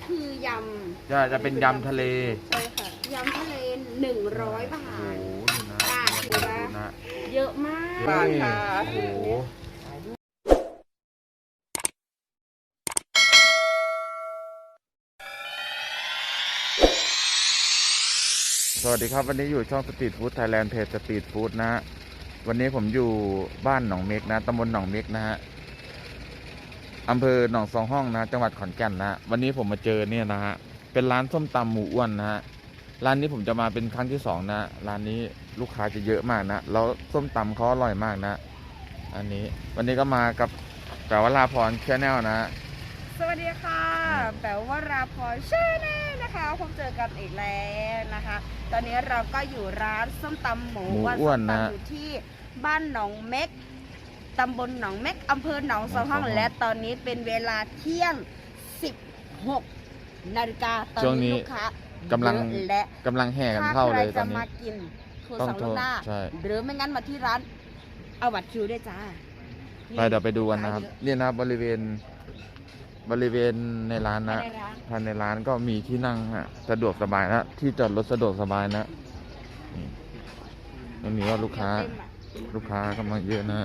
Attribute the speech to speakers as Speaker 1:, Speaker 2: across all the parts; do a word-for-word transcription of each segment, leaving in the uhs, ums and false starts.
Speaker 1: คือยำ
Speaker 2: จะจะเป็นยำทะเล
Speaker 1: ใช่ค่ะยำทะเลหนึ่งร้อยบาท
Speaker 2: โอ้โหดูนะ
Speaker 1: ค่ะถือว่า
Speaker 2: ดูนะ
Speaker 1: เยอะมาก
Speaker 2: เฮ้ยโอ้โหสวัสดีครับวันนี้อยู่ช่องสตรีทฟู้ดไทยแลนด์เพจสตรีทฟู้ดนะฮะวันนี้ผมอยู่บ้านหนองเม็กนะตำบลหนองเม็กนะฮะอำเภอหนองสองห้องนะจังหวัดขอนแก่นนะวันนี้ผมมาเจอเนี่ยนะฮะเป็นร้านส้มตำหมูอ้วนนะฮะร้านนี้ผมจะมาเป็นครั้งที่สองนะร้านนี้ลูกค้าจะเยอะมากนะแล้วส้มตำเขาอร่อยมากนะอันนี้วันนี้ก็มากับแปลว่าลาพรแชนแนลนะ
Speaker 1: สวัสดีค่ะแปลว่าราพรชาแนลนะคะพบเจอกันอีกแล้วนะคะ ตอนนี้เราก็อยู่ร้านส้มตำหมูอ้วนนะอยู่ที่บ้านหนองเม็กตำบลหนองเม็กอำเภอหนองสองห้องและตอนนี้เป็นเวลาเที่ยงสิบหกนาฬิกาตอนนี้ลูกค้ากำลังและ
Speaker 2: กำลังแห่กันเข้าเลยตอนนี้
Speaker 1: ถ้าใครจะมากินโทรสั่งล่วงหน้าหรือไม่งั้นมาที่ร้านเอาบัตรคิวได้จ้า
Speaker 2: ไปเดี๋ยวไปดูกันนะครับนี่นะบริเวณบริเวณในร้านนะภายในร้านก็มีที่นั่งฮะสะดวกสบายนะที่จอดรถสะดวกสบายนะตรงนี้ก็ลูกค้าลูกค้ากำลังเยอะนะ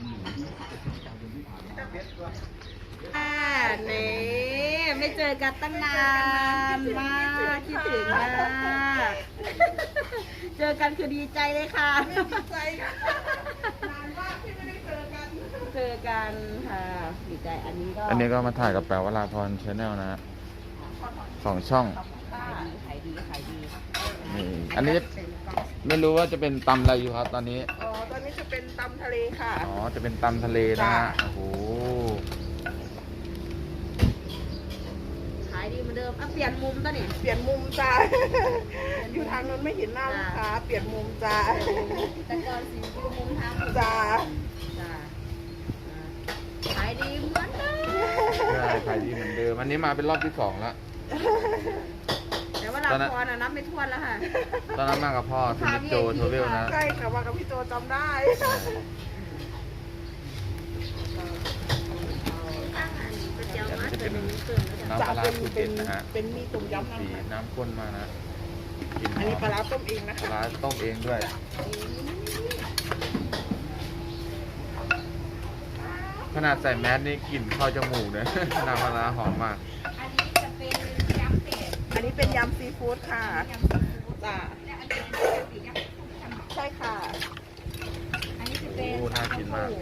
Speaker 1: อ่านี่ไม่เจอกันตั้งนานมากคิดถึงมากเจอกันคือดีใจเลยค่ะดีใจค่ะนานมากที่ไม่ได้เจอกันเจอกันค่ะดีใจอันนี้ก็
Speaker 2: อันนี้ก็มาถ่ายกับแปลว่าลาพรชาแนลนะสองช่อง
Speaker 1: ขายดีขายดี
Speaker 2: นี่อันนี้ไม่รู้ว่าจะเป็นตำอะไรอยู่ครับตอนนี้
Speaker 1: อ๋อตอนนี้จะเป็นตำทะเลค่ะ
Speaker 2: อ๋อจะเป็นตำทะเลนะฮะโอ้โห
Speaker 1: ขายดีเหมือนเดิมอ่ะเปลี่ยนมุมตอนนี้
Speaker 3: เปลี่ยนมุมจ้าอยู่ทางนั้นไม่เห็นหน้าลูกค้าเปลี่ยนมุมจ้า
Speaker 1: แต่ก่อนสิอยู่มุมทาง
Speaker 3: จ้า
Speaker 1: จ้าขายดีเหมือนเดิม
Speaker 2: ใช่ขายดีเหมือนเดิมอันนี้มาเป็นรอบที่สองแล้ว
Speaker 1: แต่ว่าเราพอนะนับไม่ถ้วนแล้วค่ะ
Speaker 2: ตอนนั้นมากับพ่อคุณโจโทเวลนะ
Speaker 3: ใช่ค่ะมากับพี่โจจำได้
Speaker 2: น้ำปลาสูตรเด็ดนะฮะ
Speaker 3: เป็นมีต้มยำน้ำ
Speaker 2: น้ำข้นมานะ
Speaker 3: อันนี้ปลาต้มเองนะ
Speaker 2: ปลาต้มเองด้วยขนาดใส่แมสนี่กลิ่นเข้าจมูกเลยน้ำปลาหอมมาก
Speaker 1: อันนี้จะเป็นยำเป็ด
Speaker 3: อันนี้เป็นยำซีฟู้ดค่ะจ้าใช่ค่ะ
Speaker 1: อันนี้จะเป็น
Speaker 2: น่ากินมาก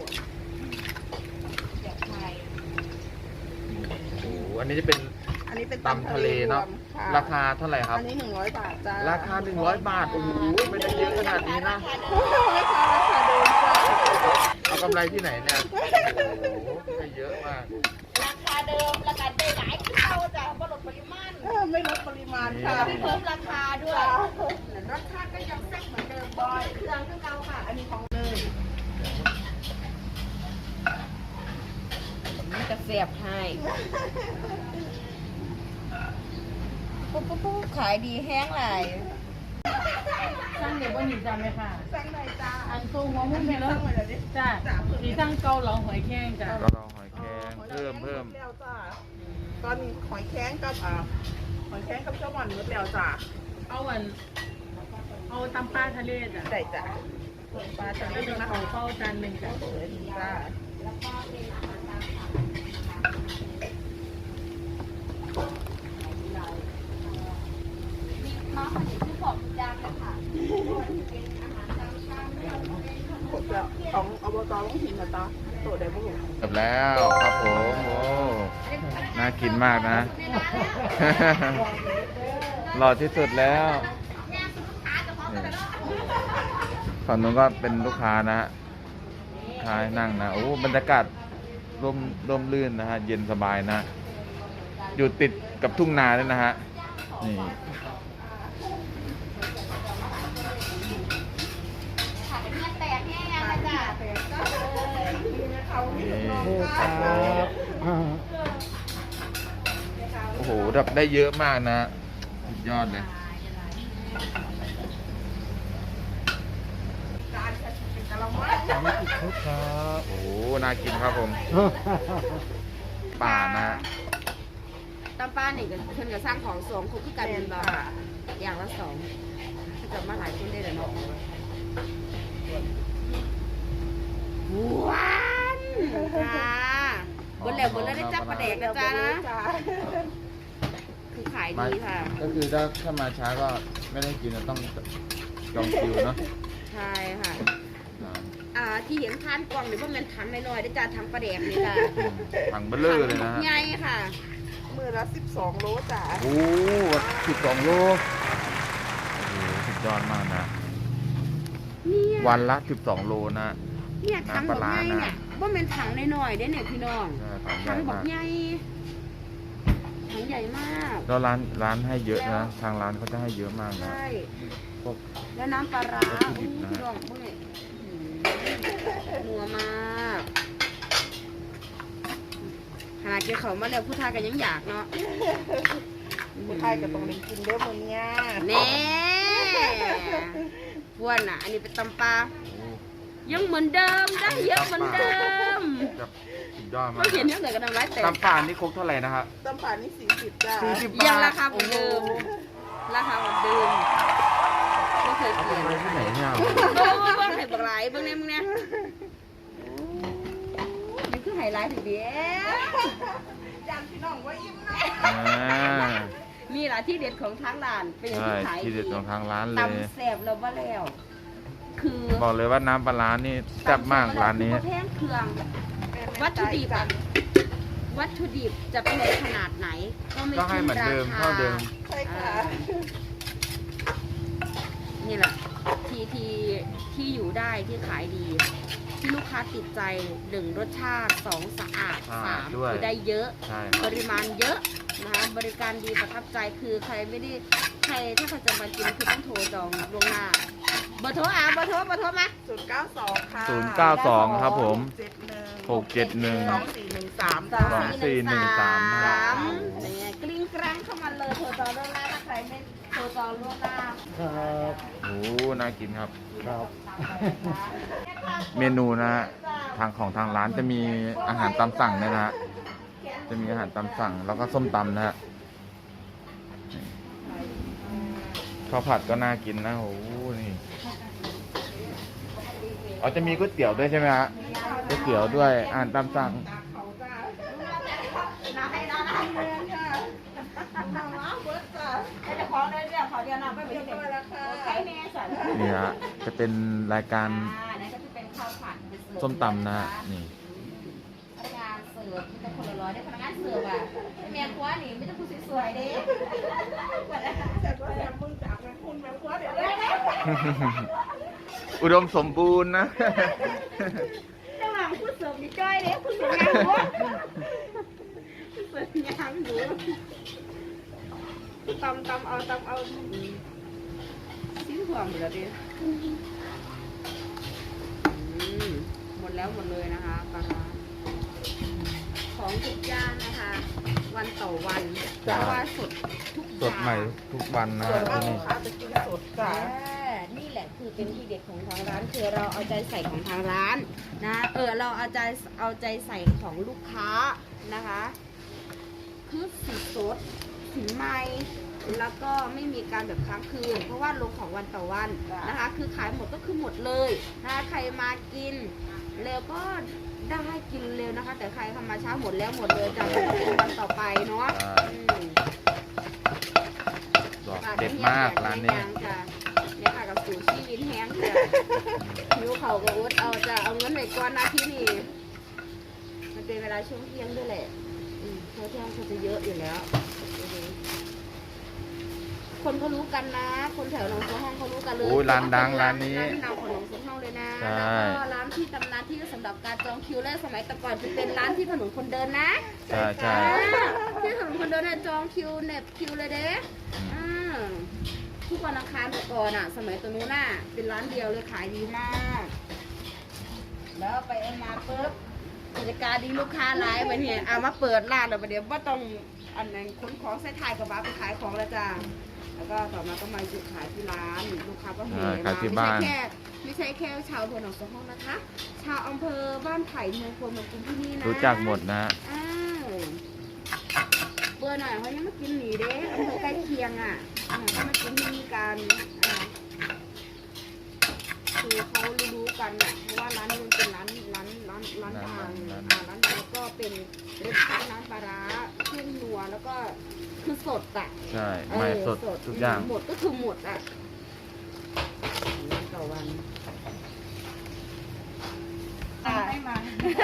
Speaker 2: โอ้อันนี้จะเป็น
Speaker 3: อันนี้เป็น
Speaker 2: ตำทะเลเนาะราคาเท่าไหร่ครับ
Speaker 3: อันนี้หนึ่งร้อยบาทจ้า
Speaker 2: ราคาหนึ่งร้อยบาทโอ้โหไม่ได้เยอะขนาดนี้นะ
Speaker 3: ราคาราคาเดิมจ้า
Speaker 2: เอากำไรที่ไหนเนี่ยโอ้โหให้เยอะมาก
Speaker 1: ราคาเดิมราคาเดิมหลายเท่าจ้ะไม่ลดปริมาณ
Speaker 3: ไม่ลดปริมาณค่ะ
Speaker 1: ไม่เพิ่มราคาด้วยรสชาติก็ยังแซ่บเหมือนเดิมบ่อยเครื่องเครื่องเก่าค่ะอันนี้ของเลยนี่จะเสียบให้ปุ๊บปุ๊บปุ๊บขายดีแห้งไหล
Speaker 4: สร้างเดี๋ยววันนี้จำไหมค่ะ
Speaker 3: สร้างไหนจ้า
Speaker 4: อันตัวหัวมุ้งเนี่ยแล้วจ้าสีสร้างเกาเหลาหอยแครงจ้า
Speaker 2: เกาเหลาหอยแครงเพิ่มเพิ่ม
Speaker 3: ตอนหอยแครงกับอ่าหอยแครงกับเจ้าหวานมืดแล้วจ้า
Speaker 4: เอาวันเอาตำปลาทะเลจ้ะ
Speaker 3: ได้จ้าปลาทะเลนะ
Speaker 4: เขาเป้าจานหนึ่งจ้ะ
Speaker 3: จ้า
Speaker 1: มาขนมที่บอกจานเลยค่ะ
Speaker 3: ของอบตต้องหินนะตาโตได้บุ้ง
Speaker 2: จบแล้วครับผมโอ้น่ากินมากนะหล่อที่สุดแล้วฝั่งนู้นก็เป็นลูกค้านะค้านั่งนะโอ้บรรยากาศร่มร่มรื่นนะฮะเย็นสบายนะอยู่ติดกับทุ่งนาด้วยนะฮะนี่โอ้โหรับได้เยอะมากนะสุดยอดเลยโอ้โหน่ากินครับผมป่านะ
Speaker 1: ตำำป้าเนี่ยก็เพิ่นก็สร้างของสองคุกคือกัน
Speaker 3: แม่
Speaker 1: เป็น
Speaker 3: น
Speaker 1: บ่
Speaker 3: ค่ะ
Speaker 1: อย่างละสองถ้าเกิดมาหลายคนได้เลยเนาะหวานค่ะบนแล้วบนแล้วได้จับประเด็กนะจ๊ะนะ
Speaker 3: จ้า
Speaker 1: คือขาย
Speaker 2: มา
Speaker 1: ดีค่ะ
Speaker 2: ก็คือถ้าถ้ามาช้าก็ไม่ได้กินนะต้องจองคิวเนาะ
Speaker 1: ใช่ค่ะ
Speaker 2: อ่า
Speaker 1: อ่าที่เห็นทานกล่องนี่เพราะมันถังน้อยๆได้จ้าถังประเด็กนี่ค่ะ
Speaker 2: ถังเบลเลอร์เลยนะฮะ
Speaker 1: ใหญ่ค่ะ
Speaker 3: มือละสิบสองโลจ้า
Speaker 2: โอ้สิบสองโลโอ้โหสุดยอดมากนะ
Speaker 1: เนี่ย
Speaker 2: วันละสิบสองโลนะ
Speaker 1: เนี่ยถัง
Speaker 2: น้ำป
Speaker 1: บอ
Speaker 2: ลาก ร้า
Speaker 1: ใหญ่
Speaker 2: นะ
Speaker 1: เนี่ยว่ามันถังน้อยๆได้เนี่ยพี่น้อง
Speaker 2: ใช่ของให
Speaker 1: ถั
Speaker 2: ญ่
Speaker 1: งบอก
Speaker 2: มาก
Speaker 1: ใหญ่ถังใหญ่มาก
Speaker 2: แล้วร้านร้านให้เยอะนะ ทางร้านเขาจะให้เยอะมากนะ
Speaker 1: ใช่
Speaker 2: พวก
Speaker 1: แล้วน้ำปลาร้า
Speaker 2: วัตถุดิ
Speaker 1: อู้
Speaker 2: บนะ
Speaker 1: พี่น้องเมื่อยนัวมากขนาดเกี่ยวเขามาแล้วผู้ชายกันยังอยากเนาะ
Speaker 3: ผู้ไทยก็ต้องได้กินเด้อมื้อเนี้ย
Speaker 1: แน่พวนอ่ะ อันนี้เป็นตำปลา
Speaker 2: โอ้
Speaker 1: ยังเหมือนเดิมได้เยอะเหมือนเดิม
Speaker 2: จะสุดยอดมาก
Speaker 1: ไม่เห็นเท่าไหร่ก็ทำร้ายแต่
Speaker 2: ตำป่านนี่ครกเท่าไหร่นะครับ
Speaker 3: ตำป่านี่สี่สิบจ้า
Speaker 2: สี่สิบบาท
Speaker 1: ยังราคาเหมือนเดิม ราคาเหมือนเดิมไม่เคย
Speaker 2: เอา
Speaker 1: เป
Speaker 2: ไป
Speaker 1: ลี่ยน
Speaker 2: ไว้ที่ไหนเนี่ย
Speaker 1: เบิ้งเบิ้งเบิ้งไห่บักไหลายเบิ้งเนี่ยมึงเนี่ยนี่คือไฮไลท์ถึงเดียว
Speaker 3: จานพี่น้องว่าอิ่มนะ
Speaker 2: อ่า
Speaker 1: นี่แหละที่เด็ดของทางร้านเป็นอย่าง
Speaker 2: ใช่
Speaker 1: ที่ขาย
Speaker 2: ที่เด็ดของทางร้านเลย
Speaker 1: ตำแซ่บแล้วว่าแล้ว คือ
Speaker 2: บอกเลยว่าน้ำปลาร้านี่แซ่บมากร้านนี้
Speaker 1: คือบ่แพงเครื่อง วัตถุดิบอะ วัตถุดิบจะแพงขนาดไหน ก็ไม่
Speaker 2: ก็ให้
Speaker 1: ขึ้น
Speaker 2: เหมือน
Speaker 1: รา
Speaker 2: เดิม
Speaker 1: คา
Speaker 2: เท่าเดิม
Speaker 3: ใช่ค่ะ
Speaker 1: นี่แหละที่ที่ที่อยู่ได้ที่ขายดี ที่ลูกค้าติดใจหนึ่งรสชาติสองสะอาด
Speaker 2: สะ
Speaker 1: สา
Speaker 2: อาด
Speaker 1: ม
Speaker 2: ด้วย
Speaker 1: คือได้เยอะ
Speaker 2: ใช่ค
Speaker 1: ป
Speaker 2: รับ
Speaker 1: ริมาณเยอะนะคะบริการดีประทับใจคือใครไม่ได้ใครถ้าใครจะมากินคือต้องโทรจองล่วงหน้าเบอร์โทรอ่ะเบอร์โทรเบอร์โทรมา
Speaker 3: ศูนย์เก้าสองค่ะ
Speaker 2: ศูนย์เก้าสองครับผม
Speaker 3: เจ็ดหนึ่ง
Speaker 2: หกเจ็ดหนึ่ง
Speaker 3: สองสี่หนึ่งสาม
Speaker 1: ส
Speaker 3: จ้า
Speaker 1: องสี่หนึ่งสาม
Speaker 2: สาม
Speaker 1: เนี่ยกลิ้งกลางเข้ามาเลยโทรจองล่วงหน้าถ้าใครไม่โทรจองล่วงหน้า
Speaker 2: โอ้น่ากินครับ เมนูนะฮะทางของทางร้านจะมีอาหารตามสั่งเนี่ยนะฮะจะมีอาหารตามสั่งแล้วก็ส้มตำนะฮะข้าวผัดก็น่ากินนะโอ้โหนี่อ๋อจะมีก๋วยเตี๋ยวด้วยใช่ไหมฮะก๋วยเตี๋ยวด้วยอาหารตามสั่ง
Speaker 3: เขาจ้า
Speaker 1: น้าให้น้าให้เงินค่ะ
Speaker 3: น้องน้ำเบิร์ดจ้า
Speaker 1: ให้เจ้าของเลยเดี๋ยวขอเดียวน้ำไป
Speaker 3: เรียบร้อยแล้วค่ะ
Speaker 1: ใช้แม่สัน
Speaker 2: นี่ฮะจะเป็นรายการ
Speaker 1: อ่านั่นก็จะเป็นข้าวผัดเป็นเสิร์ฟ
Speaker 2: ส้มตำนะฮะนี่
Speaker 1: พนักงานเสิร์ฟที่เป็นคนละร้อยได้พนักงานเสิร์ฟอ่ะเมียคว้านี่ไม่ต้องพูดสวยๆเด้
Speaker 3: แต่ก็แซมมึงจากแม่คุณแม่ครัวเดี๋ยวเลย
Speaker 2: อุดมสมบูรณ์นะ
Speaker 1: ระหว่างพูดเสิร์ฟนี่จ้อยเด้พูดเสิร์ฟงานหัวพูดเสิร์ฟงานหัวตำตำเอาตำเอาชิ้นหัวหมดแล้วดิอืมหมดแล้วหมดเลยนะคะปลาร้าของทุกย่านนะคะ วันต่อวันเพราะว่าสดทุก
Speaker 2: สดใหม่ทุกวันนะ
Speaker 3: ส่ว
Speaker 2: ฮะ
Speaker 3: นมาก
Speaker 2: ที่
Speaker 3: ลู
Speaker 2: นี่
Speaker 3: กค้าจะกินสดจ้า
Speaker 1: อ่านี่แหละคือเป็นที่เด็ดของทางร้านคือเราเอาใจใส่ของทางร้านนะเออเราเอาใจเอาใจใส่ของลูกค้านะคะ คือสีสดสีใหม่แล้วก็ไม่มีการแบบค้างคืน เพราะว่าลงของวันต่อวันนะคะ คือขายหมดก็คือหมดเลยนะคะใครมากินเร็วก็ได้กินเร็วนะคะ แต่ใครเข้ามาช้าหมดแล้วหมดเลยจะเป็นวันต่อไปเนาะอืม
Speaker 2: บอกเด็ดมากร้านนี้
Speaker 1: จ้ะเนี่ยค่ะกับสูตรชีวิตแห้งจ้ะหิวเขาก็อดเอาจะเอาเงินไหนก่อนนะที่นี่มันเป็นเวลาช่วงเที่ยงด้วยแหละอืมเพราะเที่ยงเขาจะเยอะอยู่แล้วอือฮึคนเขารู้กันนะ คนแถวหนองสองห้องเขารู้กันเลย
Speaker 2: โอ้ยร้านดังร้านนี้
Speaker 1: ร้านดังของหนองสองห้องเลยนะ
Speaker 2: ใช่
Speaker 1: แล้วก็ร้านที่ตำนานที่สำหรับการจองคิวแรกสมัยแต่ก่อนจะเป็นร้านที่ถนนคนเดินนะ
Speaker 2: ใช่ใช่
Speaker 1: ที่ถนนคนเดินน่ะจองคิวเน็บคิวเลยเด้อ่าทุกวันอังคารแต่ก่อนอ่ะ สมัยตัวนู้นน่ะเป็นร้านเดียวเลยขายดีมาก แล้วไปเอามาปุ๊บกิจการดีลูกค้าไลฟ์ไปเนี่ยเอามาเปิดร้านแล้วประเดี๋ยวว่าต้องอันนั้นขนของใส่ถ่ายกับบ้าไปขายของแล้วจ้าแล้วก็ต่อมาก็มาจุดขายที่ร้านลูกค้าก็เฮ
Speaker 2: อ่า
Speaker 1: มา
Speaker 2: ขายที่
Speaker 1: ไม่
Speaker 2: บ้า
Speaker 1: ใช่
Speaker 2: น
Speaker 1: แค่ไม่ใช่แค่ชาวอำเภอหนองสองห้องนะคะ ชาวอำเภอบ้านไผ่เมืองพลเมืองกรุงที่นี่นะ
Speaker 2: รู้จักหมดนะ
Speaker 1: อ้าวเปิดหน่อยเขายังมากินหนีเด้อำเภอใกล้เคียงอ่ะอ่าเขามากินที่นี่กันอ่าคือเขารู้ๆกันอ่ะเพราะว่าร้านนี้มันเป็นร้านร้านร้านร้านดังอ่าร้านดังแล้วก็เป็นรสชาติร้านปลาร้าเครื่องนัวแล้วก็คือสดอ่ะ
Speaker 2: ใช่
Speaker 1: เออ
Speaker 2: ไม่สดทุกอย่าง
Speaker 1: หมดก็คือหมดอ่ะต่อวัน
Speaker 4: ไม่มา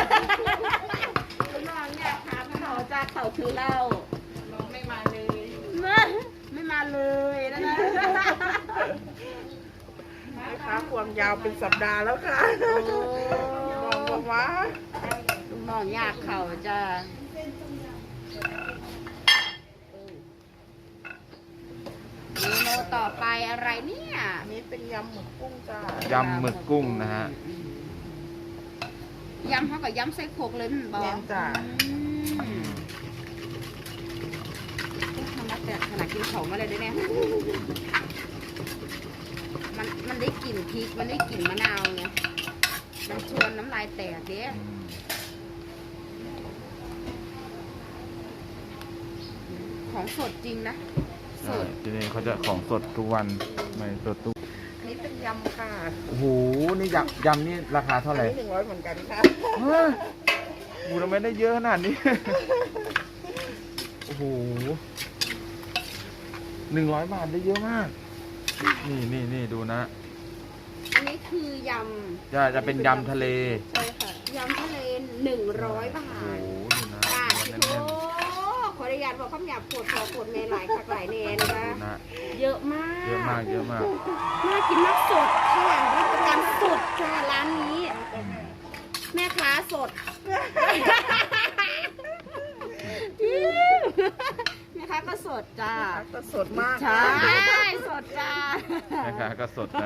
Speaker 1: คุณน้องเนี่ยถามเขาจากเขาคือเหล้า
Speaker 4: น้องไม่มาเลย
Speaker 1: ไม่ไม่มาเลยนะนะ
Speaker 3: แม่ค้าความยาวเป็นสัปดาห์แล้วค่ะ
Speaker 1: โอ้
Speaker 3: บอกบอกว่า
Speaker 1: ลูกน้องอยากเขาจะเมนูต่อไปอะไรเนี่ย
Speaker 3: อันนี้เป็นยำหมึกกุ้งจ้าย
Speaker 2: ำหมึกกุ้งนะฮะ
Speaker 1: ยำเขากับยำไส้โครกเลยมันบอก
Speaker 3: แน่นจ้า
Speaker 1: อืมขนาดแต่ขนาดกินของมาเลยด้วยเนี่ยมันมันได้กลิ่นพริกมันได้กลิ่นมะนาวไงมันชวนน้ำลายแตกเด้
Speaker 2: อืม
Speaker 1: ของสดจริงนะส
Speaker 2: ใช่
Speaker 1: ด
Speaker 2: ที่นี่เขาจะของสดทุกวันไม่สดทุก
Speaker 3: อันนี้เป็นยำค่ะ
Speaker 2: โอ้โหนี่ยำยำนี่ราคาเท่า
Speaker 3: อัน
Speaker 2: ไหร่
Speaker 3: นี้หนึ่งร้อยเหมือนกันค่ะ
Speaker 2: ฮะโอ้โหทำไมได้เยอะขนาดนี้ โอ้โหหนึ่งร้อยบาทได้เยอะมาก นี่นี่นี่ดูนะ
Speaker 1: อันนี้คือย
Speaker 2: จะจะเป็นยำทะเล
Speaker 3: ใช่ค่ะ
Speaker 1: ำยำทะเลหนึ่งร้อยบา
Speaker 2: โอ้
Speaker 1: ท
Speaker 2: โหดูนะ
Speaker 1: บาท
Speaker 2: แน่
Speaker 1: โอ้
Speaker 2: น
Speaker 1: ขออนุญาตบอกคำหยาบปวดคอปวดเมหลายคักหลายเนนะคะ
Speaker 2: ๆดูนะ
Speaker 1: เยอะมาก
Speaker 2: เยอะมากเยอะมาก
Speaker 1: น่ากินมากสดค่ะรับประกันสดค่ะร้านนี้ แม่ค้าสด แม่ค้าก็สดจ้า
Speaker 3: ก็สดมาก
Speaker 1: ใช่สดจ้า
Speaker 2: แม่ค้าก็สดนะ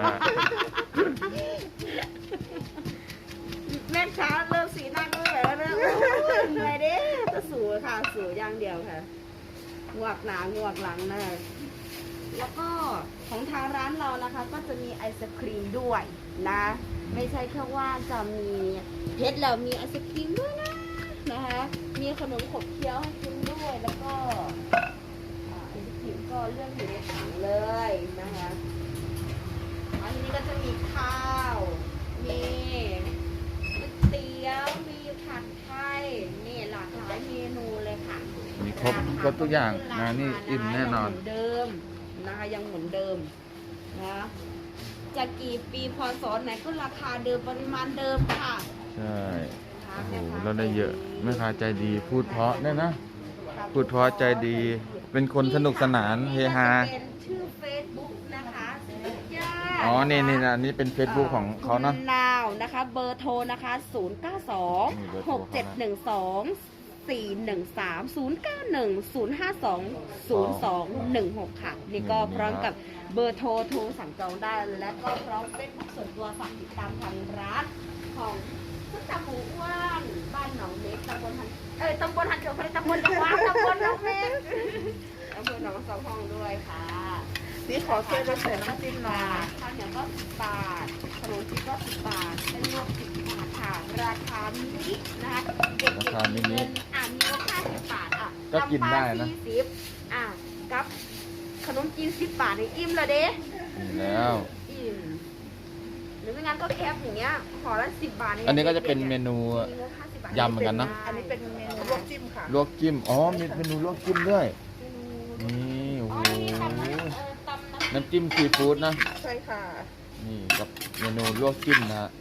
Speaker 1: แม่ค้าเริ่มสีหน้าก็แบบว่าเริ่มเหนื่อยเด้จะสูค่ะสูอย่างเดียวค่ะงวกหนางวกหลังนะคะแล้วก็ของทางร้านเรานะคะ ก็จะมีไอศครีมด้วยนะ ไม่ใช่แค่ว่าจะมีเพชรแล้วมีไอศครีมด้วยนะนะคะมีขนมขบเคี้ยวให้กินด้วยแล้วก็อ่าไอศครีมก็เลือกอยู่ในถังเลยนะคะอันนี้ก็จะมีข้าวมีก๋วยเตี๋ยวมีผัดไทยนี่หลากหลายเมนูเลยค่ะ
Speaker 2: มีครบครบทุกอย่างนะนี่อิ่มแน่นอน
Speaker 1: ยังเหมือนเดิมนะคะยังเหมือนเดิมนะจะกี่ปีพศไหนก็ราคาเดิมปริมาณเดิมค่ะ
Speaker 2: ใช่โอ้โหแล้วได้เยอะแม่ค้าใจดี พูดเพราะเนี่ยนะ พูดเพราะใจดี เป็นคนสนุกสนานเฮฮา
Speaker 1: นี่ก็จะเป็นชื่อเฟซบุ๊กนะคะญาติ
Speaker 2: อ๋อ นี่นี่นะนี่เป็น Facebook ของเขาเนาะ
Speaker 1: คุณนาวนะคะ เบอร์โทรนะคะ ศูนย์ เก้า สอง
Speaker 2: นี่เบอร์โท
Speaker 1: ห
Speaker 2: ร
Speaker 1: ก เจ็ด หนึ่ง สอง สี่ หนึ่ง สาม ศูนย์ เก้า หนึ่ง ศูนย์ ห้า สอง ศูนย์ สอง หนึ่ง หก ค่ะ นี่ก็พร้อมกับเบอร์โทรโทรสั่งจองได้ และก็พร้อมเฟซบุ๊กส่วนตัวฝากติดตามทางร้านของพุทธหมูอ้วนบ้านหนองเม็กตำบลหันเอ้ยตำบลหันเขียวพระตำบลจังหวัดตำบลหนองเม็กอำเภอหนองสองห้องด้วยค่ะ
Speaker 3: นี่ขอเส้นมาใส่น้ำจิ้มหน่อย
Speaker 1: ข้าวเหนียวก็สิบบาทขนมจีนก็สิบบาทเส้นลวกสิบบาทค่ะ ราคามินินะคะเด็ก
Speaker 2: ราคามินิ
Speaker 1: เงินอ่ะมีลดห้าสิบบาทอ่ะ
Speaker 2: ก็กินได้นะ
Speaker 1: สี่สิบอ่ะกับขนมจีนสิบบาทนี่อิ่มเลยเด้
Speaker 2: นี่แล้ว
Speaker 1: อิ่มหรือไม่งั้นก็แคปอย่างเงี้ยห่อละสิบบาท
Speaker 2: อันนี้ก็จะเป็นเมนู
Speaker 1: มีงบห้าสิบบาท
Speaker 2: ยำเหมือนกันเนอะ
Speaker 3: อันนี้เป็นเมนูลวกจิ้มค่ะ
Speaker 2: ลวกจิ้ม อ๋อ มีเมนูลวกจิ้มด้วย นี่โอ้
Speaker 1: อ๋อ
Speaker 2: โห
Speaker 1: นี่ตำน้ำเออตำน้ำ
Speaker 2: น้ำจิ้มซีฟู้ดนะ
Speaker 3: ใช่ค่ะ
Speaker 2: นี่กับเมนูลวกจิ้มนะฮะ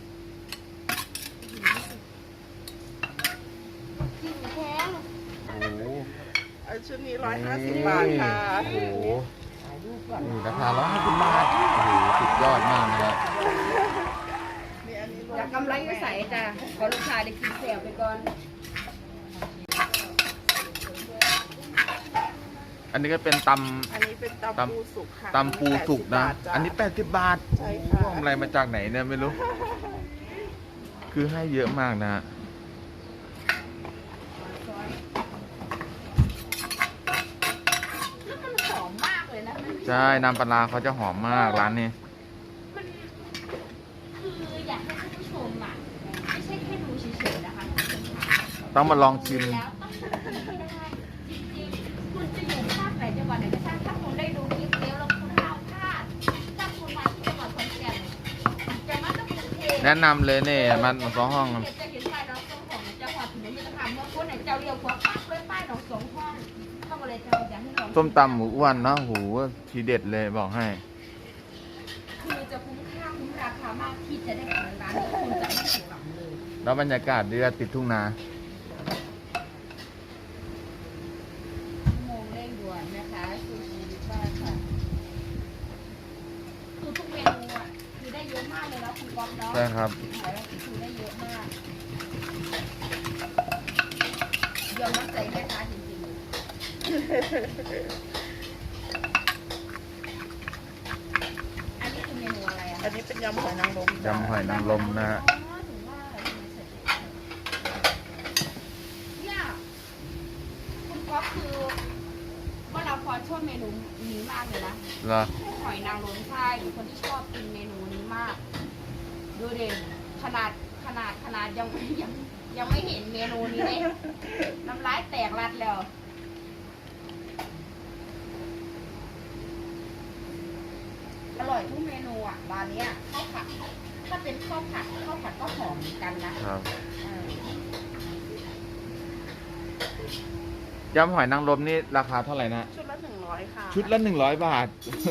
Speaker 1: จิ้มแข็ง
Speaker 2: โอ้โห
Speaker 3: อันชุดนี้ร้อยห้าสิบบาทค่ะ
Speaker 2: โอ้โหนี่ราคาร้อยห้าสิบบาท โอ้โห สุดยอดมากนะฮะ
Speaker 3: นี่อันนี้รว
Speaker 1: จากกำไรก็ใส่จ้ะขอลูกชายได้กินแสบไปก่อน
Speaker 2: อันนี้ก็เป็นต
Speaker 3: อันนี้เป็น
Speaker 2: ตำ
Speaker 3: ตำปูสุกค่ะ
Speaker 2: ำตำปูสุกนะ
Speaker 3: แปดสิบบาทจ้
Speaker 2: อันนี้แปดสิบบาท
Speaker 3: ใช่
Speaker 2: โอ้
Speaker 3: ค่ะ
Speaker 2: โหอะไรมาจากไหนเนี่ยไม่รู้ คือให้เยอะมากนะฮะ
Speaker 1: แล้วมันหอมมากเลยนะมัน
Speaker 2: ใช่น้ำปลาร้าเขาจะหอมมากร้านนี้
Speaker 1: มันคืออยากให้ท่านผู้ชมอ่ะไม่ใช่แค่ดูเฉยๆนะคะท่านผู้ชมค่ะ
Speaker 2: ต้องมาลองชิม
Speaker 1: แล้วต้องชิมให้ได้จริงๆคุณจะ
Speaker 2: แนะนำเลยนี่มันสองห้อง
Speaker 1: จะเห็นป้ายน้องสองห้องจะขอถนนมิตรภาพเมื่อคนไหนเจ้าเรียวขวาปั๊บเลยป้ายน้องสองห้องเข้ามาเลยเจ้าอยากให้น้อง
Speaker 2: ส้มตำหมูอ้วนเนาะหูทีเด็ดเลยบอกให้
Speaker 1: คือจะคุ้มค่าคุ้มราคามากที่จะได้เปิดร้านคุณจะไม่ผิดหวังเลย
Speaker 2: แล้วบรรยากาศดีติดทุ่งนา
Speaker 1: โมงเร่งด่วนนะคะซูชิดิบ้าค่ะคือทุกเมนูอ่ะคือได้เยอะมากเลยนะคุณก๊อฟเนาะ
Speaker 2: ใช่ครับ
Speaker 1: ขายแล้วคือได้เยอะมากยอมรับใจแม่ค้าจริงๆอันนี้คือเมนูอะไรอ่ะ
Speaker 3: อันนี้เป็นยำหอยนางรม
Speaker 2: ยำหอยนางรมนะฮะ
Speaker 1: อ๋อถึงว่าอะไรทำไมใส่เนี่ยคุณก๊อฟคือว่าเราพอชอบเมนูนี้มากเลยนะ
Speaker 2: เหรอ
Speaker 1: หอยนางรมใช่หรือคนที่ชอบกินเมนูนี้มาก ดูเด่นขนาดขนาดขนาดยังไม่ยังยังไม่เห็นเมนูนี้เลยน้ำลายแตกรัดแล้ว อร่อยทุกเมนูอ่ะร้านเนี้ยข้าวผัดถ้าเป็นข้าวผัดข้าวผัดก็หอมเหมือนกันนะครับ เออย
Speaker 2: ำหอยนางรมนี่ราคาเท่าไหร่นะ
Speaker 3: ชุดละหนึ่งร้อยค่ะ
Speaker 2: ชุดละหนึ่งร้อยบาท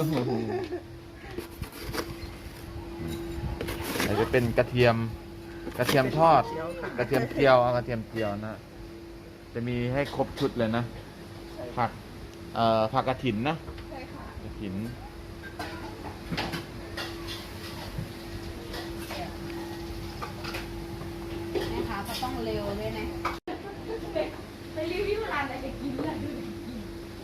Speaker 2: อาจจะเป็นกระเทียม กระเทียมทอด
Speaker 3: เจียวค่ะ
Speaker 2: กระเทียมเจียวเอากระเทียมเจียวนะ จะมีให้ครบชุดเลยนะ ผัก เอ่อ ผักกระถินนะ
Speaker 1: ใช่ค่ะ
Speaker 2: กระถิน
Speaker 1: แม่ค้าก็ต้องเร็วด้วยนะไปรีวิวร้านอะไรจะกินอะไรดูดิกิน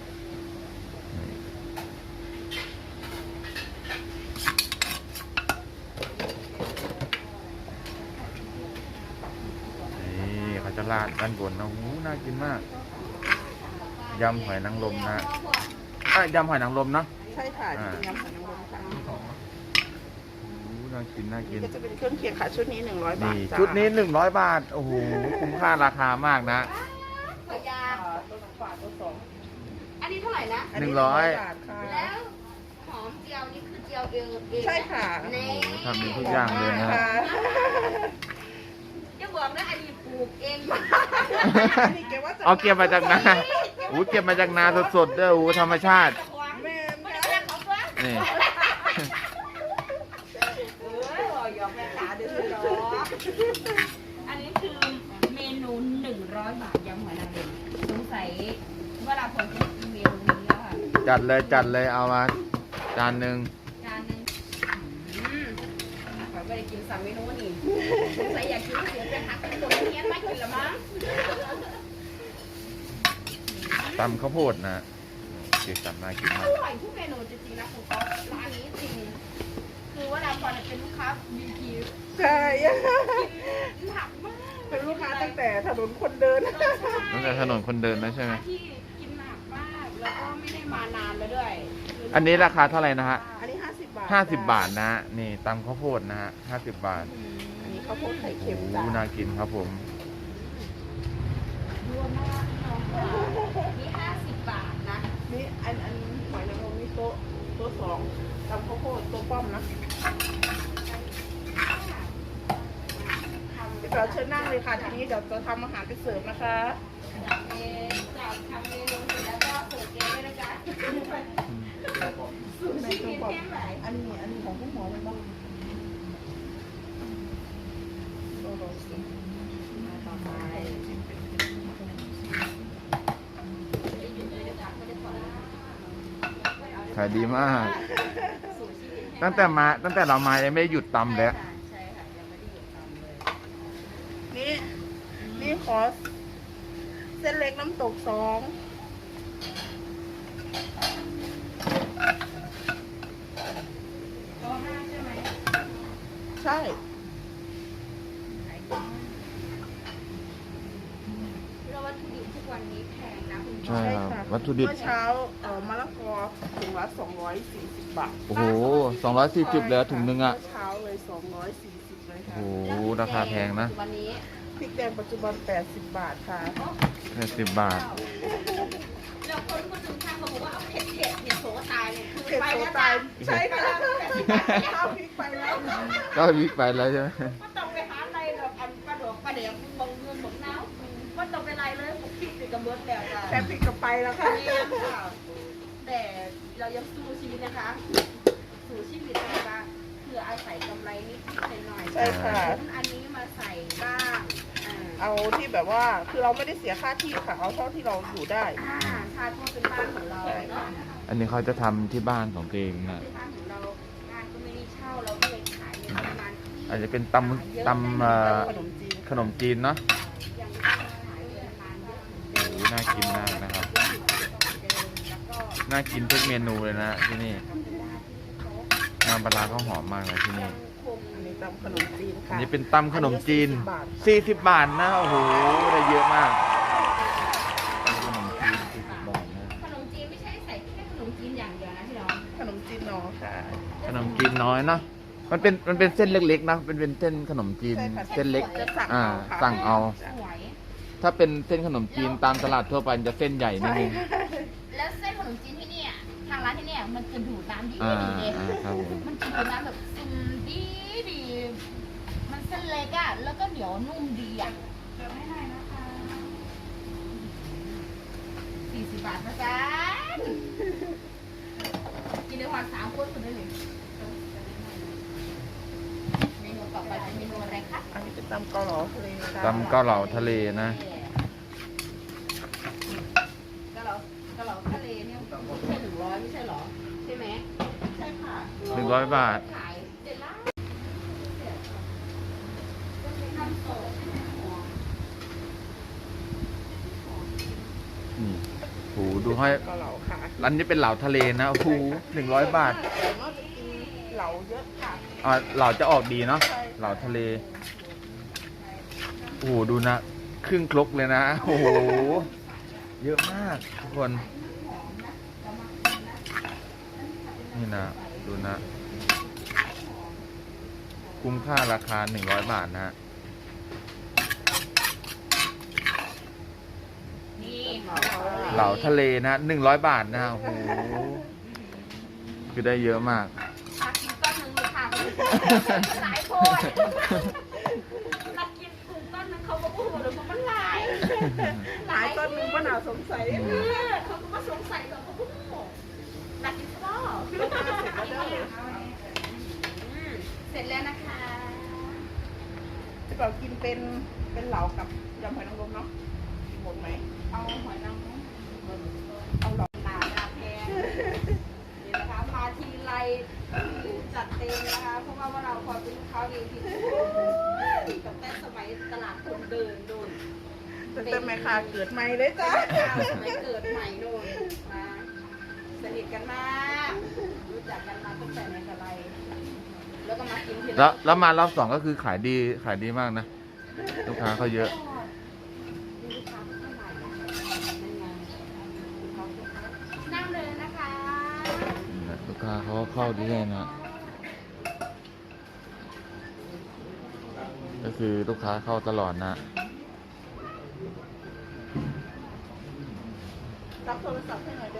Speaker 2: นี่เขาจะราดด้านบนนะหูน่ากินมาก ยำหอยนางรมนะอ่ะยำหอยนางรมเนาะ
Speaker 3: ใช่ค่ะนี่เป็นยำหอยนางรมค่ะ
Speaker 2: หูน่ากินน่ากิน
Speaker 3: ก็จะเป็นเครื่องเคียงค่ะชุดนี้หนึ่งร้อยบาท
Speaker 2: นี่
Speaker 3: จ้า
Speaker 2: ชุดนี้หนึ่งร้อยบาท โอ้โห คุ้มค่าราคามากนะ
Speaker 1: ขอยา
Speaker 3: อ่าตัวฝาตัวสอง
Speaker 1: อันนี้เท่าไหร่นะ
Speaker 3: อัน
Speaker 2: หนึ่
Speaker 3: นี้
Speaker 2: งร้อย
Speaker 3: บาทค่ะ
Speaker 1: แล้วหอมเจียวนี่คือเจียวเองเอง
Speaker 3: ใช่ค่ะ
Speaker 1: เน่
Speaker 2: ทำเป็นทุกอย่างเลยนะ
Speaker 3: ค่ะ
Speaker 1: จะบอกนะอันนี้ปลูกเอง
Speaker 3: อันนี้เก็บว่าจะ
Speaker 2: เอาเก็บมาจากนาอู้เก็บมาจากนาสดๆเด้ออู้ธรรมชาติ
Speaker 3: แม่
Speaker 1: ไม่
Speaker 3: นะ
Speaker 1: ได้แค่เขาเพื่อ
Speaker 2: นี่
Speaker 1: เออหอยอกแม่ขาเดือดร้อนอันนี้คือเมนูหนึ่งร้อยบาทยำหอยนางรมสงสัยเวลาผมจะกินเมนูนี้แล้วค่ะ
Speaker 2: จัดเลยจัดเลยเอามาจานหนึ่ง
Speaker 1: จานหนึงอืมขอไม่ได้กินสามเมนูนี่สงสัยอยากกินเสียงเป็นฮักเป็นตัวเนี้ยไม่กินละมั้ง
Speaker 2: ตำข้าวโพดนะสีสันน่ากิน
Speaker 1: อ
Speaker 2: มาก
Speaker 1: ร่อยทุกเมนูจริงๆนะคุณก๊อฟร้านนี้จริง คือว่าเราพอเป็นลูกค้าบีพี
Speaker 3: ใช่
Speaker 1: หนักมาก
Speaker 3: เป็นลูกค้าตั้งแต่ถนนคนเดิน
Speaker 2: ตั้งแต่ถนนคนเดินนะใช่ไหม
Speaker 1: ที่กินหนักมาก แล้วก็ไม่ได้มานานแล้วด้วย
Speaker 2: อันนี้ราคาเท่าไหร่นะฮะ
Speaker 3: อันนี้ห้าสิบบาท
Speaker 2: ห้าสิบบาทนะฮะนี่ตำข้าวโพดนะฮะห้าสิบบาท
Speaker 3: อันนี้ข้าวโพดไข่
Speaker 2: โอ้
Speaker 3: เค็ม
Speaker 2: โห
Speaker 3: จ้า
Speaker 2: น่ากินครับผม
Speaker 1: รวมมากน้องค่ะนี่ห้าสิบบาทนะ
Speaker 3: นี่อันอันหอยนางรมนี่โต๊ะโต๊ะสองตำข้าวโพดโต๊ะป้อมนะเดี๋ยวเราเชิญนั่งเลยค่ะทีนี้เดี๋ยวจะทำอาหารไปเสิร์ฟนะคะ
Speaker 1: จากเมนูจากทำเมนูเสร็จแล้วก็เสิร์ฟเกมด้วยนะจ๊ะสูตร
Speaker 3: ใน
Speaker 1: ชี
Speaker 3: ตัว
Speaker 1: วิต
Speaker 3: ปอม
Speaker 1: แค่ไหน
Speaker 3: อันนี้อันนี้ของผู้หมอเลยบ้างโต๊ะโรสมาต่อไป
Speaker 2: ขายดีมาก ตั้งแต่มาตั้งแต่เรามายังไม่ได้หยุดตำเลย
Speaker 1: ใช่ค่ะยังไม่ได้หยุดทำเลย
Speaker 3: นี่นี่ขอเส้นเล็กน้ำตกสอง
Speaker 1: โต๊ะห้าใช่ไหม
Speaker 3: ใช่
Speaker 1: เราวัตถุดิบทุกวันนี้แพงนะคุณ
Speaker 2: ใช่
Speaker 1: พ่อ
Speaker 2: ครับ
Speaker 3: ค่ะ
Speaker 2: วัตถุดิบ
Speaker 3: เมื่อเช้าเอ่อมะละกอถุงละสองร้อยสี่สิบบาท
Speaker 2: โอ้โหสองร้อยสี่สิบเลยถุงหนึงอ่ะ
Speaker 3: เมื่อเช้าเลยสองร้อยสี่สิบเลย
Speaker 2: โอ้
Speaker 3: ค่ะ
Speaker 2: โหราคาแพงนะ
Speaker 1: วันนี้
Speaker 3: พริกแดงปัจจุบันแปดสิบบาทค่ะ
Speaker 2: แค่สิบบาท
Speaker 1: แล้วคนคนถึงทางเขาบอกว่าเอาเผ็ดเผ็ดเผ็ดโสตายเนี่ยคือ
Speaker 3: เผ็ด
Speaker 1: ไป
Speaker 3: โซ
Speaker 1: แล้ว
Speaker 3: ตา
Speaker 1: จ้าย
Speaker 3: ใช่ค่ะ
Speaker 1: ไป
Speaker 3: ข้าวพริกไปแล้ว
Speaker 2: ก็วิกไปแล้วใช่ไหม
Speaker 1: ก็ต้องไปหาอะไรแบบอันปลาดอกปลาแดงบงเงินบงน้ำก็ต้องไปไรเลยผมคิดติดกับเบิร์ดแล้วจ้ะ
Speaker 3: แค่พริกก็ไปแล้วค่ะ
Speaker 1: นี่ค่ะแต่เรายังสู้ชีวิตนะคะ สู้ชีวิตนะคะคืออาศัยกำไรนิดๆหน่อยๆ
Speaker 3: ใช่ค่ะ
Speaker 1: อันนี้มาใส่บ้างอ่า
Speaker 3: เอาที่แบบว่าคือเราไม่ได้เสียค่าที่ค่ะ เอาเท่าที่เราอยู่ได้
Speaker 1: อ่าชาติว่าเป็นบ้านของเราเนาะ
Speaker 2: อันนี้เขาจะทำที่บ้านของตัวเองนะ
Speaker 1: เป็นบ้านของเราบ้านก็ไม่ได้เช่าเราก็เลยขายในประมาณที่
Speaker 2: อาจจะเป็นตำตำเอ่อ
Speaker 3: ขนมจีน
Speaker 2: ขนมจีนเนาะ
Speaker 1: ยังไม่ได้ขายในประมาณเยอะเหมือนเดิ
Speaker 2: โอ้
Speaker 1: ม
Speaker 2: โหน่ากินมากนะครับ
Speaker 1: แล้วก็
Speaker 2: น่ากินทุกเมนูเลยนะที่นี่น้ำปลาร้าเขาหอมมากเลยที่นี่
Speaker 1: คง
Speaker 3: อันนี้ตำขนมจีน
Speaker 2: อั
Speaker 3: ค่ะ
Speaker 2: นนี้เป็นตำขนมจีน
Speaker 3: อัสี่สิบบาท
Speaker 2: สี่สิบบาทนะ โอ้โห ได้เยอะมากตำขนมจีนสี่สิบบาทนะ
Speaker 1: ขนมจีนไม่ใช่ใส่แค่ขนมจีนอย่างเดียวนะพี่น้อง
Speaker 3: ขนมจีนหนอค่ะ
Speaker 2: ขนมจีนน้อยเนาะ มันเป็นมันเป็นเส้นเล็กๆนะ เป็นเป็นเส้นขนมจีน
Speaker 3: ใช่ค่ะ
Speaker 2: เส้นเล็ก
Speaker 3: จะสั่ง
Speaker 2: อ่า
Speaker 3: เอาค่ะ
Speaker 2: สั่งเอา
Speaker 1: สวย
Speaker 2: ถ้าเป็นเส้นขนมจีนตามตลาดทั่วไปมันจะเส้นใหญ่นิดนึง
Speaker 1: แล้วเส้นขนมจีนที่เนี่ยทางร้านที่เนี่ยมันจะดูดน้ำดี
Speaker 2: อ่า
Speaker 1: ดีเลย
Speaker 2: อ่าครับผม
Speaker 1: มันจะดูดน้ำแบบซึมดีดีมันเส้นเล็กอะแล้วก็เหนียวนุ่มดีอะเดี๋ยวให้หน่อยนะคะสี่สิบบาทนะจ๊ะกินได้วันสามคนคนได้เลยเมนูต่อไปเป็นเมนูอะไรคะ
Speaker 3: อันนี้เป็นตำเกาเหลาทะเลค่ะ
Speaker 2: ตำเกาเหลาทะเลนะ
Speaker 1: เกาเหลาเกาเหลาทะเลเนี่ยแค่หนึ่งร้อยไม่ใช่เหรอใช่ไหมใช่ค่ะ
Speaker 2: หนึ่งร้อยบาท
Speaker 1: ขายเสร็จแล้วเสร็จทำโซ่
Speaker 2: นี่โหดูให้
Speaker 3: เกาเหลาค่ะ
Speaker 2: ร้านนี้เป็นเหลาทะเลนะโอ้โหหนึ่งร้อยบาท
Speaker 3: แต่ว่าจะกินเหลาเยอะค่ะ
Speaker 2: อ่าเหลาจะออกดีเนาะ เหลาทะเล โอ้โห ดูนะ ครึ่งครกเลยนะ โอ้โห เยอะมากทุกคน นี่นะ ดูนะ คุ้มค่าราคาหนึ่งร้อยบาทนะ
Speaker 1: นี่
Speaker 2: เหลาทะเลนะหนึ่งร้อยบาทนะ โอ้โห คือได้เยอะมาก
Speaker 1: มากินต้นหนึ่งเลยค่ะหลายโพดมากินกลุ่มต้นหนึ่งเขาก็พูดเลยว่ามันหลาย
Speaker 3: หลายต้นนึงป้าหนาวสงสัย
Speaker 1: เออเขาก็มาสงสัยเราก็พูดหลักกินก็เสร็จแล้วนะคะ
Speaker 3: ที่เรากินเป็นเป็นเหลากับยำหอยนางรมเนาะกินหมดไหม
Speaker 1: เอาหอยนางรมเอาหลอกตาดาแพงนี่นะคะมาทีไรจัดเต็มนะคะเพราะว่าว่าเราพอเป็นลูกค้าเองที่กับแต่สมัยตลาดคนเดินโดน
Speaker 3: แต่แต่แม่ค้าเกิดใหม่เลยจ้ะ
Speaker 1: สมัยเกิดใหม่โดนนะสนิทกันมากรู้จักกันมาตั้งแต่ไหนแต่ไรแล้วก็มากินที
Speaker 2: แล้วแล้วมารอบสองก็คือขายดีขายดีมากนะ ลูกค้าเขาเยอะ
Speaker 1: ลูกค้าเข้ามานั่นไงนั่งเลยนะคะ
Speaker 2: นี่นะลูกค้าเขาก็เข้าดีเลยนะ ก็คือลูกค้าเข้าตลอดนะ
Speaker 3: รับโทรศัพท์ให้หน่อยเด้อ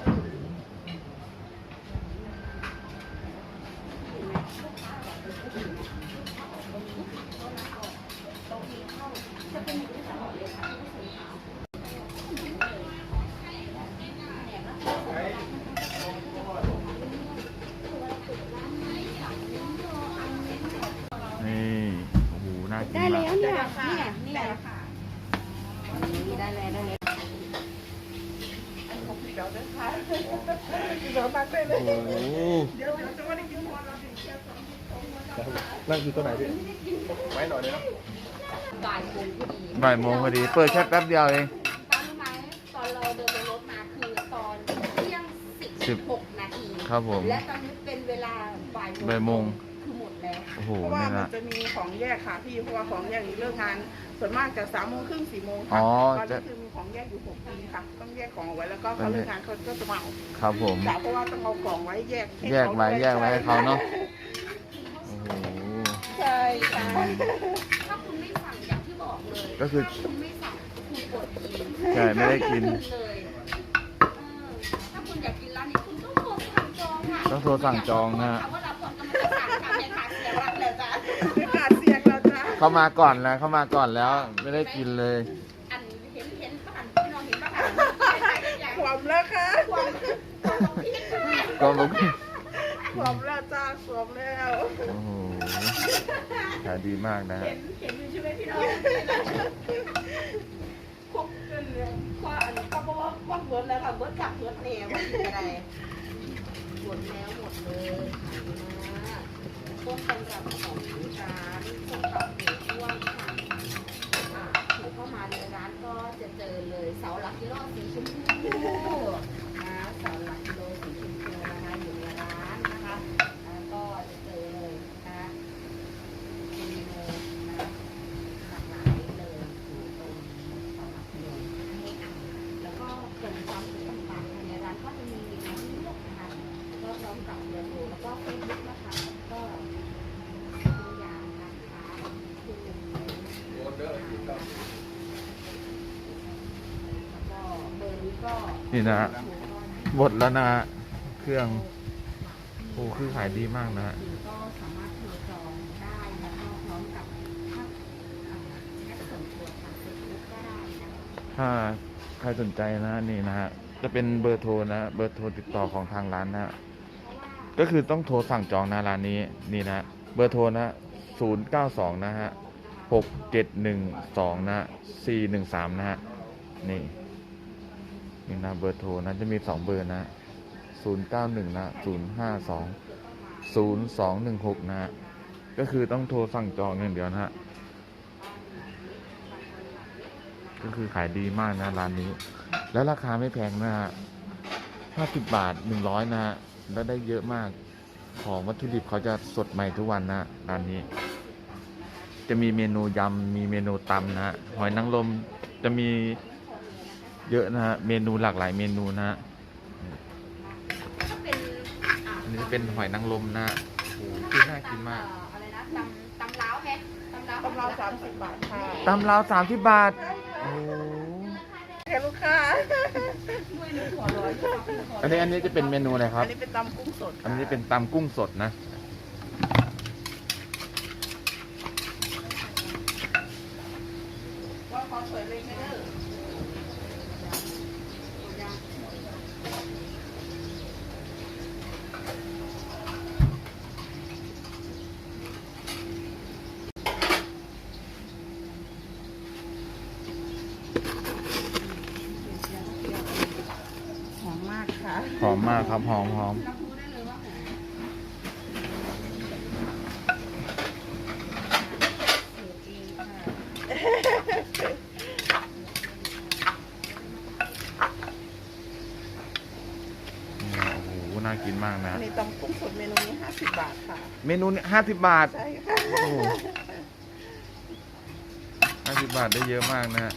Speaker 2: นี่ โอ้โห น่ากิน
Speaker 1: ได้
Speaker 2: มา
Speaker 1: แล้
Speaker 2: ก
Speaker 1: วเนี่ยเนี่ยเนี่ยนี่ได้แล้วได้แล้ว
Speaker 3: อันของพี่เบลด้วยค่ะพี่เบลมากเลยเลย
Speaker 2: โอ้โห
Speaker 3: เดี๋ยวเดี๋ยวจะว่าได้กินพอเราถึงเที่ยวสอง
Speaker 5: นั่งอยู่ตัวไหนพี่ไว้หน่อยเลยนะ
Speaker 1: บ่ายโมงพอดี
Speaker 2: บ่ายโมงพอดี เปิดแค่แป๊บเดียวเอง
Speaker 1: ตั้งไหมตอนเราเดินรถมาคือตอนเที่ยงสิบหกนาที
Speaker 2: ครับผม
Speaker 1: และตอนนี้เป็นเวลาบ่าย
Speaker 2: บ่ายโมง
Speaker 1: คือหมดแล้ว
Speaker 2: โอ้โห
Speaker 3: เพราะว่า
Speaker 2: นี่
Speaker 3: มัน
Speaker 2: นะ
Speaker 3: จะมีของแยกค่ะพี่ เพราะว่าของแยกนี้เลิกงาน ส่วนมากจะสามโมงครึ่งสี่โมง
Speaker 2: อ๋
Speaker 3: ค่ะ
Speaker 2: อ
Speaker 3: ตอน
Speaker 2: จะ
Speaker 3: นี้คือมีของแยกอยู่หกปีค่ะ ต้องแยกของเอาไว้แล้วก็เขาเลิกงานเขาก็จะมาเอา
Speaker 2: ครับผม
Speaker 3: จ้ะเพราะว่าต้องเอาของไว้แยกให้
Speaker 2: แยกไว้
Speaker 3: เขาด้
Speaker 2: แยกไว้ให้เขาเนาะ โอ้โห
Speaker 3: ใช่ค่ะ
Speaker 1: ถ้าคุณไม่สั่งอย่างที่บอกเลย
Speaker 2: ก็คือ
Speaker 1: ถ้าคุณไม่สั่งคุณกดกิน
Speaker 2: ใช่ ไม่ได้กิน
Speaker 1: เลยเออถ้าคุณอยากกินร้านนี้คุณต้องโทรสั่งจองค่ะ
Speaker 2: ต้องโทรสั่งจองนะฮะ
Speaker 1: ถามว่าเราคนกำลังจะ
Speaker 3: ไม่ขาดเสียงเราจ้า
Speaker 2: เข้ามาก่อนแล้วเข้ามาก่อนแล้วไม่ได้กินเลย
Speaker 1: อันเห็นเห็นประหันพี่น้องเห็นประหัน
Speaker 3: ขวมแล้วค่ะ
Speaker 1: ความความพี่
Speaker 2: ก็ลุก
Speaker 3: ขวมแล้วจ้าขวมแล้ว
Speaker 2: โอ้โหขายดีมากนะฮะ
Speaker 1: เห็นเห็นอยู่ใช่ไหมพี่น้องครบจนเลยว่าอันนี้ก็บอกว่าว่าเบิร์ดแล้วค่ะเบิร์ดจับเบิร์ดแล้วว่าอะไรหมดแล้วหมดเลยนะต้นตำรับของร้านส้มตำหมูอ้วนค่ะอ่าถือเข้ามาในร้านก็จะเจอเลยเสาหลักกิโลสีชมพูนะเสาหลักกิโลสีชมพูนะคะอยู่ในร้านนะคะแล้วก็จะเจอเลยนะคะมีเมนูนะหลากหลายเลยอยู่ตรงเสาหลักกิโลนี่อ่ะแล้วก็เป็นความสุขต่างๆภายในร้านก็จะมีน้ำเลือดนะคะแล้วก็พร้อมกับเบอร์โทรแล้วก็เฟซบุ๊กนะคะก็ตัวอย่างนะคะคือ
Speaker 5: โอนเด้ออยู่กับ
Speaker 1: แล้วก็เบอร์นี้ก็
Speaker 2: นี่นะฮะหมดแล้วนะฮะเครื่องโอ้คือขายดีมากนะฮะ
Speaker 1: ก็สามารถโทรจองได้แล้วก็พร้อมกับถ้าอ่าแอปส่วนตัวทางเฟซบุ๊กก็ได้นะคะ
Speaker 2: ถ้าใครสนใจนะนี่นะฮะจะเป็นเบอร์โทรนะเบอร์โทรติดต่อของทางร้านนะฮะก็คือต้องโทรสั่งจองนะร้านนี้นี่นะเบอร์โทรนะศูนย์เก้าสองนะฮะหกเจ็ดหนึ่งสองนะสี่หนึ่งสามนะฮะนี่นี่นะเบอร์โทรนะจะมีสองเบอร์นะศูนย์เก้าหนึ่งนะศูนย์ห้าสองศูนย์สองหนึ่งหกนะฮะก็คือต้องโทรสั่งจองอย่างเดียวนะฮะก็คือขายดีมากนะร้านนี้ แล้วราคาไม่แพงนะฮะห้าสิบบาทหนึ่งร้อยนะฮะแล้วได้เยอะมากของวัตถุดิบเขาจะสดใหม่ทุกวันนะร้านนี้ จะมีเมนูยำมีเมนูตำนะฮะหอยนางรมจะมีเยอะนะฮะเมนูหลากหลายเมนูนะฮะ
Speaker 1: ถ้าเป็นอ่า
Speaker 2: อันนี้เป็นหอยนางรมนะฮะโอ้โหคือน่ากินมาก
Speaker 1: เอ่ออะไรนะตำตำล้าวไหมตำล้าว
Speaker 3: กำลังสามสิบบาทค่ะ
Speaker 2: ตำลาวสามสิบบาทโอ้โห
Speaker 3: แค่ลูกค้า
Speaker 1: ด้วยหนึ่งหัวร้อย
Speaker 2: อันนี้อันนี้จะเป็นเมนูอะไรค
Speaker 3: อั
Speaker 2: รั
Speaker 3: น
Speaker 2: บ
Speaker 3: นี้เป็นตำกุ้งสด
Speaker 2: อันนี้เป็นตำกุ้งสดนะ
Speaker 3: ว่าขอสวยเลยไหมเด้อ หอมมากค่ะ
Speaker 2: หอมมากครับหอมหอม
Speaker 1: รับรู้ได้เลยว่าหอมสูตรเองค่ะ
Speaker 2: โอ้โหน่ากินมากนะ
Speaker 3: อันนี้ตำกุ้งสดเมนูนี้ห้าสิบบาทค่ะ
Speaker 2: เมนูนี้ห้าสิบบาท
Speaker 3: ใช่ค่ะ
Speaker 2: โอ้โหห้าสิบบาทได้เยอะมากนะฮะ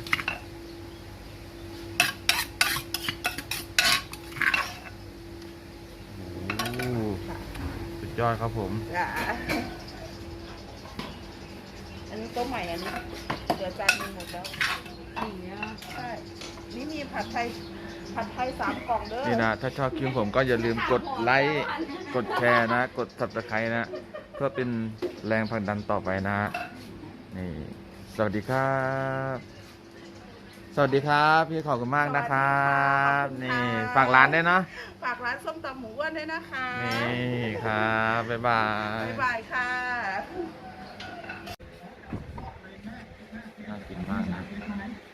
Speaker 2: โอ้โหสุดยอดครับผม
Speaker 3: จ้ะอันนี้โต๊ะใหม่อันนี้เหลือจานหนึงหมดแล้ว
Speaker 1: อย่างเงี้ย
Speaker 3: ใช่ นี่มีผัดไทย ผัดไทยสามกล่องเด้อ
Speaker 2: นี่นะ ถ้าชอบคลิปผมก็อย่าลืมกดไลค์ กดแชร์นะ กด subscribe นะ เพื่อเป็นแรงผลักดันต่อไปนะ นี่ สวัสดีครับ สวัสดีครับ พี่ขอบคุณมากนะครับ นี่ ฝากร้านด้วยเนาะ
Speaker 3: ฝากร้านส้มตำหมูอ้วนด้วยนะคะ
Speaker 2: นี่ครับ บ๊ายบาย
Speaker 3: บ๊ายบายค่ะ
Speaker 2: น่ากินมากนะ